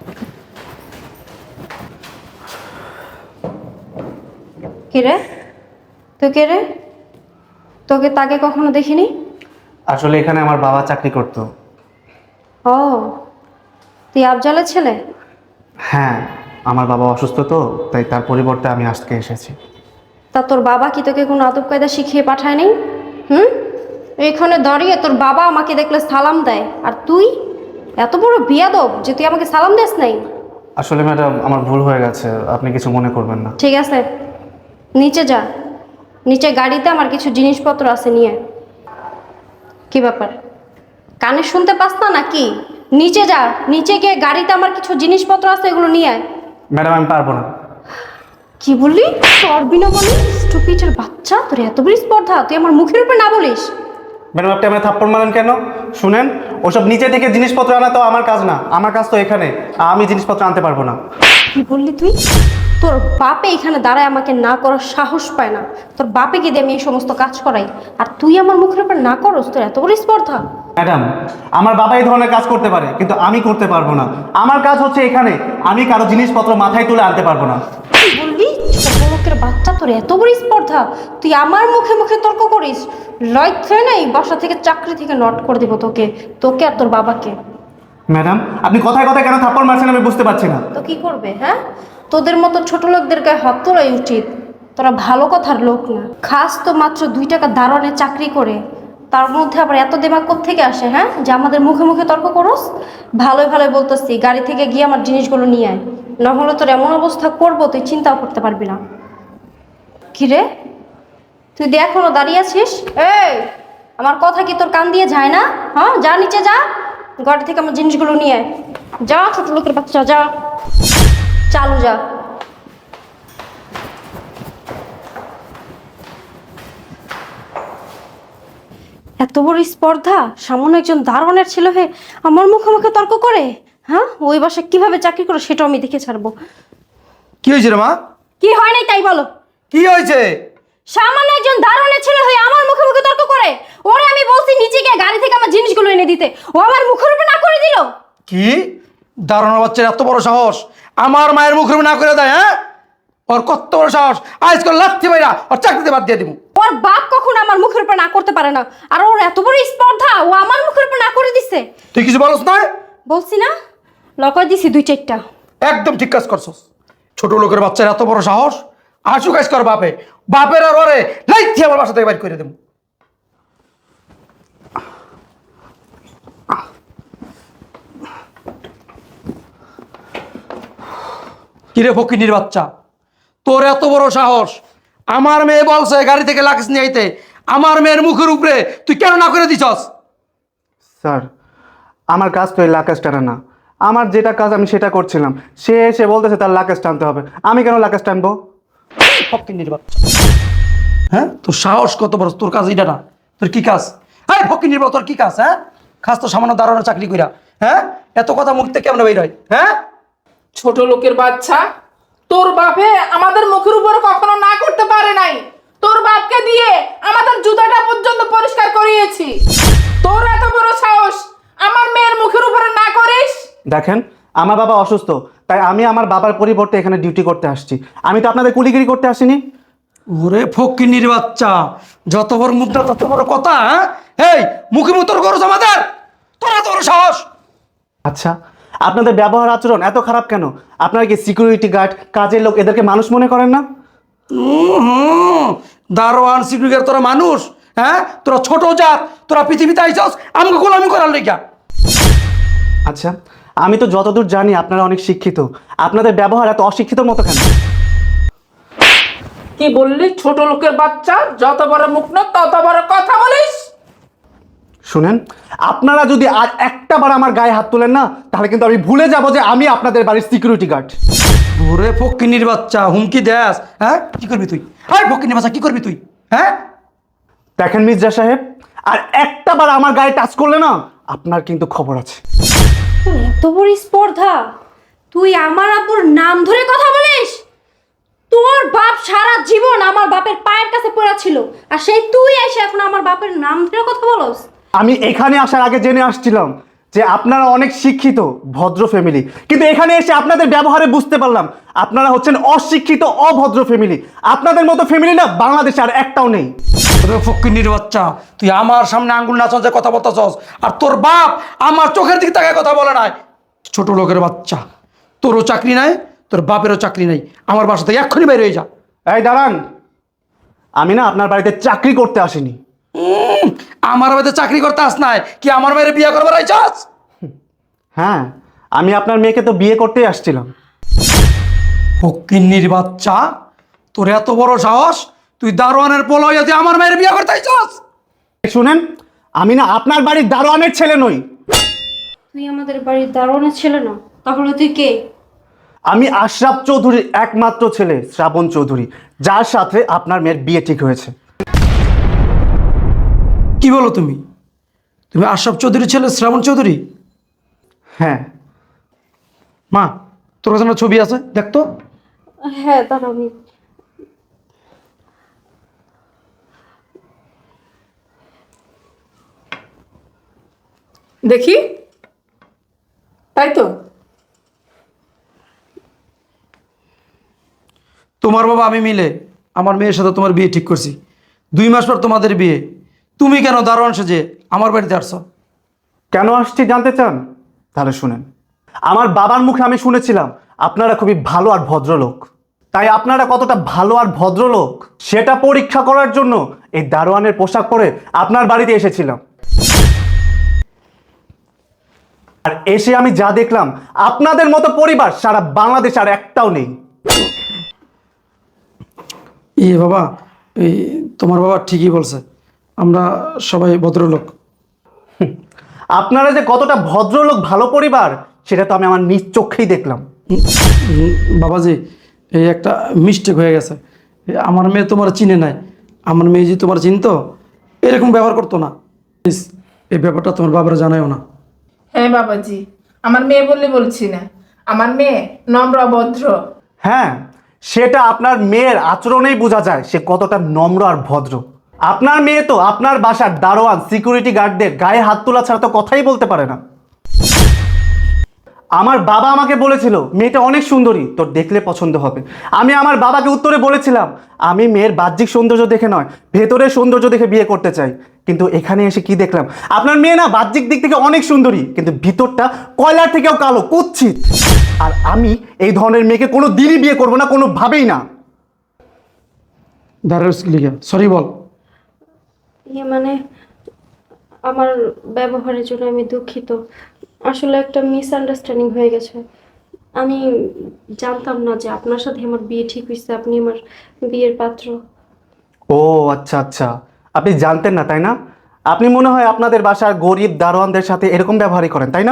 কে রে? তুই কে রে? তোকে তাকে কখনো দেখিনি। আসলে এখানে আমার বাবা চাকরি করতো। ও, তুই আফজালের ছেলে? হ্যাঁ, আমার বাবা অসুস্থ তো, তাই তার পরিবর্তে আমি আজকে এসেছি। তা তোর বাবা কি তোকে কোনো আদব কায়দা শিখিয়ে পাঠায় নাই? হুম, এখানে দাঁড়িয়ে তোর বাবা আমাকে দেখলে সালাম দেয়, আর তুই এত বড় বিয়াদব যে তুই আমাকে সালাম দিস নাই। আসলে ম্যাডাম, আমার ভুল হয়ে গেছে, আপনি কিছু মনে করবেন না। ঠিক আছে, নিচে যা। নিচে গাড়িতে আমার কিছু জিনিসপত্র আছে, নিয়ে। কি ব্যাপার, কানে শুনতে পাস না নাকি? নিচে যা, নিচে গিয়ে গাড়িতে আমার কিছু জিনিসপত্র আছে, এগুলো নিয়ে আয়। ম্যাডাম, আমি পারবো না। কি বললি? পারবি না বলি? স্টুপিডের বাচ্চা, তোর এত বড় স্পর্ধা, তুই আমার মুখের উপর না বলিস। ম্যাডাম, আপনি আমার থাপ্পড় মারেন কেন? শুনেন, ওসব নিচে থেকে জিনিসপত্র আনা তো আমার কাজ না, আমার কাজ তো এখানে। আমি জিনিসপত্র আনতে পারবো না। কি বললি তুই? তোর বাপে এখানে দাঁড়ায় আমাকে না করার সাহস পায় না। তোর বাপেকে দিয়ে আমি এই সমস্ত কাজ করাই, আর তুই আমার মুখের উপর না করস? তোর এত বড় স্পর্ধা। ম্যাডাম, আমার বাবা এই ধরনের কাজ করতে পারে, কিন্তু আমি করতে পারবো না। আমার কাজ হচ্ছে এখানে, আমি কারো জিনিসপত্র মাথায় তুলে আনতে পারবো না। কি বললি? ছোট লোকের বাচ্চা, তোর এত বড় স্পর্ধা, তুই আমার মুখে মুখে তর্ক করিস? লজ্জা নাই? বাসা থেকে, চাকরি থেকে নট করে দিব তোকে, তোকে আর তোর বাবাকে। ম্যাডাম, আপনি কথায় কথায় কেন থাপ্পড় মারছেন আমি বুঝতে পারছি না। তো কি করবে? হ্যাঁ, তোদের মতো ছোট লোকদের গায়ে হাত তোলাই উচিত। তোরা ভালো কথার লোক না, খাস তো মাত্র 2 টাকা দারোয়ানের চাকরি করে, তার মধ্যে আবার এত দেমাগ কোত্থেকে আসে, হ্যাঁ, যে আমাদের মুখে মুখে তর্ক করস? ভালোই ভালোই বলতেছি, গাড়ি থেকে গিয়ে আমার জিনিসগুলো নিয়ে আয়, না হলে তোর এমন অবস্থা করবো তুই চিন্তাও করতে পারবি না। কি রে, তুই দিয়ে এখনো দাঁড়িয়ে আছিস? এই, আমার কথা কি তোর কান দিয়ে যায় না? হ্যাঁ, যা নিচে যা, গাড়ি থেকে আমার জিনিসগুলো নিয়ে আয়। যা ছোট লোকের বাচ্চা, যা, চালু যা। এত বড় স্পর্ধা, সামান্য একজন দারোয়ানের ছেলে হয়ে আমার মুখে মুখে তর্ক করে? হ্যাঁ, ওই বাসায় কিভাবে চাকরি করে সেটাও আমি দেখে ছাড়বো। কি হয়েছে রে মা? কি হয় নাই তাই বলো। কি হয়েছে? সামান্য একজন দারোয়ানের ছেলে হয়ে আমার মুখে মুখে তর্ক করে। ওরে আমি বলছি নিচে গিয়ে গাড়ি থেকে আমার জিনিসগুলো এনে দিতে, ও আমার মুখের উপর না করে দিল। কি দারুণ বাচ্চার এত বড় সাহস, আমার মায়ের মুখের উপর না করে দেয়? হ্যাঁ, ওর কত বড় সাহস! আজকাল লাথি বাইরা ওর চাকরিতে বাদ দিয়ে দিব। ওর বাপ কখনো আমার মুখের উপর না করতে পারে না, আর ওর এত বড় স্পর্ধা, ও আমার মুখের উপর না করে দিছে। তুই কিছু বলস না? বলছি না, লকার দিছি 2-4টা। একদম ঠিক কাজ করছস। ছোট লোকের বাচ্চার এত বড় সাহস, আশু কাজ কর বাপে, বাপের আর ওরে লাইথি আমার বাসা থেকে বাইর করে দেব। কিরে ফকিনির বাচ্চা, তোর এত বড় সাহস! আমার মেয়ে বলছে গাড়ি থেকে লাকিস নিয়ে আইতে, আমার মেয়ের মুখের উপরে তুই কেন না করে দিছস? স্যার, আমার কাজ তো এই লাকেশ টানা না। আমার যেটা কাজ আমি সেটা করছিলাম, সে এসে বলতেছে তার লাকেশ টানতে হবে। আমি কেন লাকেশ টানবো? ফকিনির বাচ্চা, হ্যাঁ, তোর সাহস কত বড়! তোর কাজ এটা না, তোর কি কাজ? হ্যাঁ, ফকিনির বাচ্চা, তোর কি কাজ? হ্যাঁ, খাস তো সামান্য দাঁড়ানো চাকরি কইরা। হ্যাঁ, এত কথা মুখ থেকে কেমন বের হয়? হ্যাঁ, ছোট লোকের বাচ্চা, তোর বাপে আমাদের মুখের উপরে কখনো না করতে পারে নাই। তোর বাপকে দিয়ে আমাদের জুতাটা পর্যন্ত পরিষ্কার করিয়েছি। তোর এত বড় সাহস, আমার মেয়ের মুখের উপরে না করিস? দেখেন, আমার বাবা অসুস্থ, তাই আমি আমার বাবার পরিবর্তে এখানে ডিউটি করতে আসছি। আমি তো আপনাদের কুলিগিরি করতে আসিনি। ওরে ফকিনির বাচ্চা, যত বড় মুখ না তত বড় কথা। হ্যাঁ, এই মুখে মুখ তোর করছ আমাদের, তোর এত বড় সাহস! আচ্ছা, আপনাদের ব্যবহার আচরণ এত খারাপ কেন? আপনারা কি সিকিউরিটি গার্ড, কাজের লোক, এদেরকে মানুষ মনে করেন না? দারোয়ান সিকিউরিটি তোরা মানুষ? হ্যাঁ, তোরা ছোট জাত, তোরা পৃথিবীতে আইছস আমাকে গোলামি করার লেগা। আচ্ছা, আমি তো যতদূর জানি আপনারা অনেক শিক্ষিত, আপনাদের ব্যবহার এত অশিক্ষিত মতো কেন? কি বললি? ছোট লোকের বাচ্চা, যত বড় মুখ না তত বড় কথা বলিস। শুনেন, আপনারা যদি আর একটা বার আমার গায়ে হাত তোলেন না, তাহলে কিন্তু আমি ভুলে যাব যে আমি আপনাদের বাড়ির সিকিউরিটি গার্ড। ওরে ফকিনির বাচ্চা, হুমকি দেস? হ্যাঁ, কি করবি তুই? আরে ফকিনির বাচ্চা, কি করবি তুই? হ্যাঁ, দেখেন মির্জা সাহেব, আর একটা বার আমার গায়ে টাচ করলে না, আপনার কিন্তু খবর আছে। তোর এত বড় স্পর্ধা, তুই আমার আব্বুর নাম ধরে কথা বলিস? তোর বাপ সারা জীবন আমার বাপের পায়ের কাছে পড়া ছিল, আর সেই তুই এসে এখন আমার বাপের নাম ধরে কথা বলস? আমি এখানে আসার আগে জেনে আসছিলাম যে আপনারা অনেক শিক্ষিত ভদ্র ফ্যামিলি, কিন্তু এখানে এসে আপনাদের ব্যবহারে বুঝতে পারলাম আপনারা হচ্ছেন অশিক্ষিত অভদ্র ফ্যামিলি। আপনাদের মতো ফ্যামিলি না বাংলাদেশে আর একটাও নেই। ফকিন্নির বাচ্চা, তুই আমার সামনে আঙ্গুল নাচন যে কথা বলতেছস, আর তোর বাপ আমার চোখের দিকে তাকায় কথা বলে নাই। ছোট লোকের বাচ্চা, তোরও চাকরি নাই, তোর বাপেরও চাকরি নাই। আমার বাসা থেকে এক্ষুনি বের হয়ে যা। এই দাঁড়ান, আমি না আপনার বাড়িতে চাকরি করতে আসিনি। আমার বাড়িতে চাকরি করতে আস নাই কি আমার মেয়ের বিয়ে করবার আইছাস? হ্যাঁ, আমি আপনার মেয়েকে তো বিয়ে করতেই আসছিলাম। ফকিন্নির বাচ্চা, তোর এত বড় সাহস, তুই দারোয়ানের পোলা হইয়া তুই আমার মেয়ের বিয়ে করতে আইছাস? শুনেন, আমি না আপনার বাড়ির দারোয়ানের ছেলে নই। তুই আমাদের বাড়ির দারোয়ানের ছেলে না, তাহলে তুই কে? আমি আশরাফ চৌধুরীর একমাত্র ছেলে শ্রাবণ চৌধুরী, যার সাথে আপনার মেয়ের বিয়ে ঠিক হয়েছে। কি বলো তুমি? তুমি আশরাফ চৌধুরীর ছেলে শ্রাবণ চৌধুরী? হ্যাঁ। মা, তোর কাছে একটা ছবি আছে, দেখতো। হ্যাঁ, দাঁড়াও আমি দেখি, তাই তো। তোমার বাবা আমি মিলে আমার মেয়ের সাথে তোমার বিয়ে ঠিক করছি। 2 মাস পর তোমাদের বিয়ে। তুমি কেন দারোয়ান সেজে আমার বাড়িতে আসছো? কেন আসছি জানতে চান? তাহলে শুনেন। আমার বাবার মুখে আমি শুনেছিলাম আপনারা খুবই ভালো আর ভদ্রলোক। তাই আপনারা কতটা ভালো আর ভদ্রলোক সেটা পরীক্ষা করার জন্য এই দারোয়ানের পোশাক পরে আপনার বাড়িতে এসেছিলাম। আর এসে আমি যা দেখলাম, আপনাদের মতো পরিবার সারা বাংলাদেশ আর একটাও নেই। বাবা, এই তোমার বাবা ঠিকই বলছে, আমরা সবাই ভদ্রলোক। আপনারা যে কতটা ভদ্রলোক ভালো পরিবার সেটা তো আমি আমার নিজ চোখেই দেখলাম। বাবাজি, এই একটা মিস্টেক হয়ে গেছে। আমার মেয়ে তোমার চিনে নাই। আমার মেয়ে যে তোমার চিনতো, এরকম ব্যবহার করতো না। প্লিজ এই ব্যাপারটা তোমার বাবারা জানায়ও না। হ্যাঁ বাবাজি, আমার মেয়ে বললে বলছি না, আমার মেয়ে নম্র ভদ্র। হ্যাঁ, সেটা আপনার মেয়ের আচরণেই বোঝা যায় সে কতটা নম্র আর ভদ্র। আপনার মেয়ে তো আপনার বাসার দারোয়ান সিকিউরিটি গার্ডদের গায়ে হাত তোলা ছাড়া তো কথাই বলতে পারে না। আমার বাবা আমাকে বলেছিল মেয়েটা অনেক সুন্দরী, তোর দেখলে পছন্দ হবে। আমি আমার বাবাকে উত্তরে বলেছিলাম আমি মেয়ের বাহ্যিক সৌন্দর্য দেখে নয়, ভেতরের সৌন্দর্য দেখে বিয়ে করতে চাই। কিন্তু এখানে এসে কি দেখলাম, আপনার মেয়ে না বাহ্যিক দিক থেকে অনেক সুন্দরী, কিন্তু ভিতরটা কয়লার থেকেও কালো, কুৎসিত। আর আমি এই ধরনের মেয়েকে কোনো দিনই বিয়ে করবো না, কোনোভাবেই না। সরি বল। মানে আমার ব্যবহারের জন্য আমি দুঃখিত। আসলে একটা মিসআন্ডারস্ট্যান্ডিং হয়ে গেছে। আমি জানতাম না যে আপনার সাথে আমার বিয়ে ঠিক হয়েছে, আপনি আমার বিয়ের পাত্র। ও আচ্ছা আচ্ছা, আপনি জানতেন না তাই না? আপনি মনে হয় আপনাদের বাসার গরিব দারোয়ানদের সাথে এরকম ব্যবহারই করেন তাই না?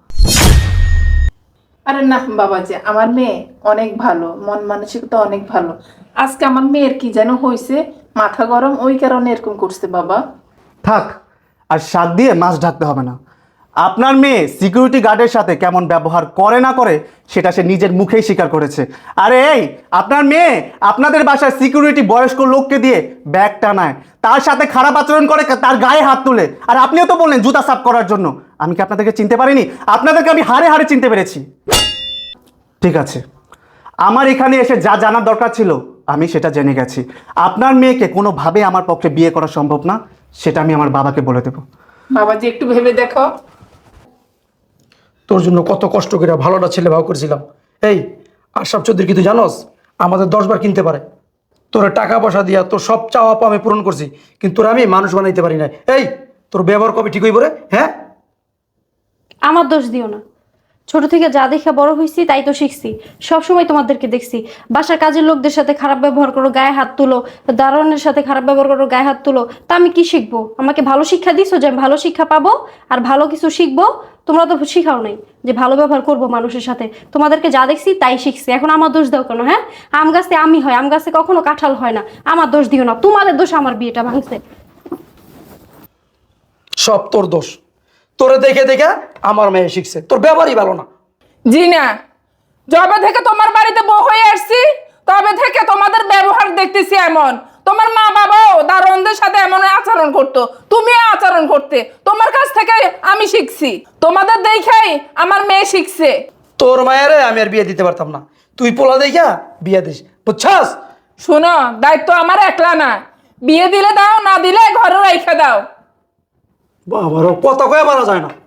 আরে না বাবাজি, আমার মেয়ে অনেক ভালো, মন মানসিকতা অনেক ভালো। আজকে আমার মেয়ের কি যেন হয়েছে, মাথা গরম, ওই কারণে এরকম করছে বাবা। থাক, আর শাক দিয়ে মাছ ঢাকতে হবে না। আপনার মেয়ে সিকিউরিটি গার্ডের সাথে কেমন ব্যবহার করে না করে সেটা সে নিজের মুখেই স্বীকার করেছে। আরে এই, আপনার মেয়ে আপনাদের বাসায় সিকিউরিটি বয়স্ক লোককে দিয়ে ব্যাগ টানায়, তার সাথে খারাপ আচরণ করে, তার গায়ে হাত তোলে। আর আপনিও তো বললেন জুতা সাফ করার জন্য। আমি কি আপনাদেরকে চিনতে পারিনি? আপনাদেরকে আমি হাড়ে হাড়ে চিনতে পেরেছি। ঠিক আছে, আমার এখানে এসে যা জানার দরকার ছিল আমি সেটা জেনে গেছি। আপনার মেয়েকে কোনোভাবে আমার পক্ষে বিয়ে করা সম্ভব না, সেটা আমি আমার বাবাকে বলে দেবো। বাবাজি একটু ভেবে দেখো। তোর জন্য কত কষ্ট করে ভালোটা ছেলে ভাও করেছিলাম। এই আশরাফ চৌধুরী কি তুই জানোস আমাদের 10 বার কিনতে পারে? তোর টাকা পয়সা দিয়া তোর সব চাওয়া পাওয়া আমি পূরণ করছি, কিন্তু তোর আমি মানুষ বানাইতে পারি না। এই তোর ব্যবহার কবে ঠিক হইব রে? হ্যাঁ, আমার দোষ দিও না। ছোট থেকে যা দেখে বড় হয়েছি তাই তো শিখছি। সবসময় তোমাদেরকে দেখছি বাসার কাজের লোকদের সাথে খারাপ ব্যবহার করো, গায়ে হাত তুলো, দারোয়ানের সাথে খারাপ ব্যবহার করো, গায়ে হাত তুলো। তা আমি কি শিখবো? আমাকে ভালো শিক্ষা দিছো যে আমি ভালো শিক্ষা পাবো আর ভালো কিছু শিখবো? তোমরা তো শিখাও নাই যে ভালো ব্যবহার করবো মানুষের সাথে। তোমাদেরকে যা দেখছি তাই শিখছি। এখন আমার দোষ দাও কেন? হ্যাঁ, আম গাছে আমি হয়, আম গাছে কখনো কাঁঠাল হয় না। আমার দোষ দিও না, তোমাদের দোষ আমার বিয়েটা ভাঙছে। সব তোর দোষ। তোরে দেখে দেখে আমার মেয়ে শিখছে, তোর ব্যবহারই ভালো না। জি না, যবে থেকে তোমার বাড়িতে বউ হয়ে আসছি তবে থেকে তোমাদের ব্যবহার দেখতেছি এমন। তোমার মা বাবাও দারোয়ানদের সাথে এমন আচরণ করতো, তুমিও আচরণ করতে। তোমার কাছ থেকে আমি শিখছি, তোমাদের দেখেই আমার মেয়ে শিখছে। তোর মায়েরে আমি আর বিয়ে দিতে পারতাম না, তুই পোলা দেখা বিয়ে দিস, বুঝছস? শোনো, দায়িত্ব আমার একলা না, বিয়ে দিলে দাও, না দিলে ঘরে রেখে দাও। বাবারও কথা কয়ে মারা যায় না।